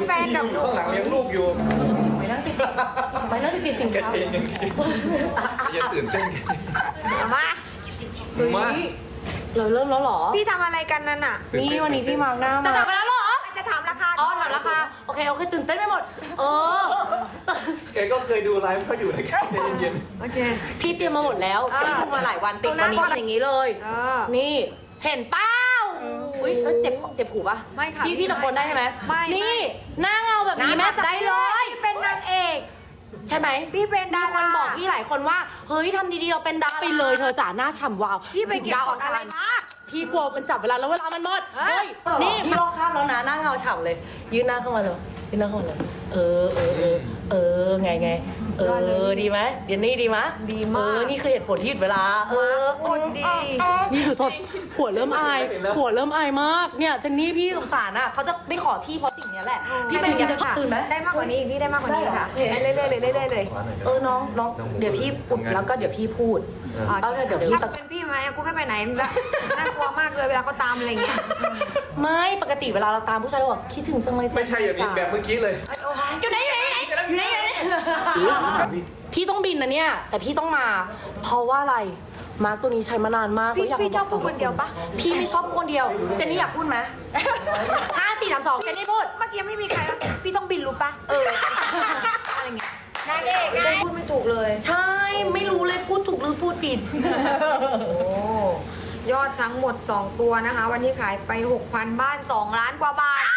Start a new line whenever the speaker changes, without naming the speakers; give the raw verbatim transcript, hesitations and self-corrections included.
แฟนกับหนู
ข้างหลังเลี้ยงลูกอยู่
ไปนั่งติดไปนั่งติดติดสิน
กระ
ค้า
เทนยังจริงอย่าตื่นเต้น
เอามา
มา
เราเริ่มแล้วเหรอ
พี่ทำอะไรกันนั่นน่ะ
นี่วันนี้พี่มาร์กหน้า
จะ
มา
จับไปแล้วเหรอจะถามราคา
อ๋อถามราคาโอเคโอเคตื่นเต้นไปหมด เออ
แกก็เคยดูไลฟ์เขาอยู่เลยแค่เย็น
โอเค
พี่เตรียมมาหมดแล้ว
เออ
พี่ดูมาหลายวันติดวันนี้ทำอย่างนี้เลย
เออ
นี่เห็นเป้าอุ้ยเอ้ยเจ็บเจ็บหูปะ
ไม่ค่ะ
พี่พี่ตะโกนได้ใช่ไหม
ไม่
นี่หน้าเงาแบบนี้แม่จับได้เลย
พี่เป็นนางเอก
ใช่ไหม
พี่เป็นดา
มีค
ราน
บอกพี่หลายคนว่าเฮ้ยทำดีๆเราเป็นดาราไปเลยเธอจ๋าหน้าฉ่ำวาว
พี่ไปเก็บ
ดาว
กดอะไรมา
พี่กลัวมันจับเวลาแล้วเวลามันหมด
เฮ้
เฮ้
ย
ยนี่พี่รอข้ามแล้วนะหน้าเงาฉ่ำเลย ยืนหน้าเข้ามาเลยยืนหน้าเข้ามาเลยเออเออเออเออไงไงเออดีไหมเดี๋ยวนี้ดีไหม
ดีมาก
เออนี่คือเหตุผลที่หยุดเวลา เออ
คนดี
นี่ดูสดหัวเริ่มอายหัวเริ่มอายมากเนี่ยเจนนี่พี่สงสารอ่ะเขาจะไม่ขอพี่เพราะสิ่งเนี้ยแหละพี่เป็นจริงจะตื่นไหม
ได้มากกว่านี้อีกพี่ได้มากกว่านี้ค่ะ
ได้เหรอ
เรื่อยๆเลยเรื่อยๆเลย
เออน้องน้องเดี๋ยวพี่อุดแล้วก็เดี๋ยวพี่พูด
อ๋อ
เอาเถอะเดี๋ยว
พี่
พี่
จะเป็นพี่ไหมกูไม่ไปไหนแล้วน่ากลัวมากเลยเวลาเขาตามอะไรเงี้ย
ไม่ปกติเวลาเราตามผู้ชายเราบอกคิดถึงจังเลย
ๆไม่ใช่อย่างนี้แบบเมื่อกี้เลย
อยู่ไหนอยู่ไหนอยู่ไหนอยู่ไหนอยู่ไหนพี่ต้องบินนะเนี่ยแต่พี่ต้องมา เพราะว่าอะไรมาร์กตัวนี้ใช้มานานมาก
พี่
เขายาก
พี่ชอบพูดคนเดียวปะ
พี่ไม่ชอบพูดคนเดียวเจนนี่อยากพูดไหมห้าสี่สามสองเจนนี่พูด
เมื่อกี้ไม่มีใครว่าพี่ต้องบินรู้ปะเอออะไรเงี้ยนางเอกไงพูดไม่ถูกเลย
ใช่ไม่รู้เลยพูดถูกหรือพูดผิด
โอ้ยอดทั้งหมดสองตัวนะคะ วันนี้ขายไป หกพัน บ้าน สอง ล้านกว่าบาท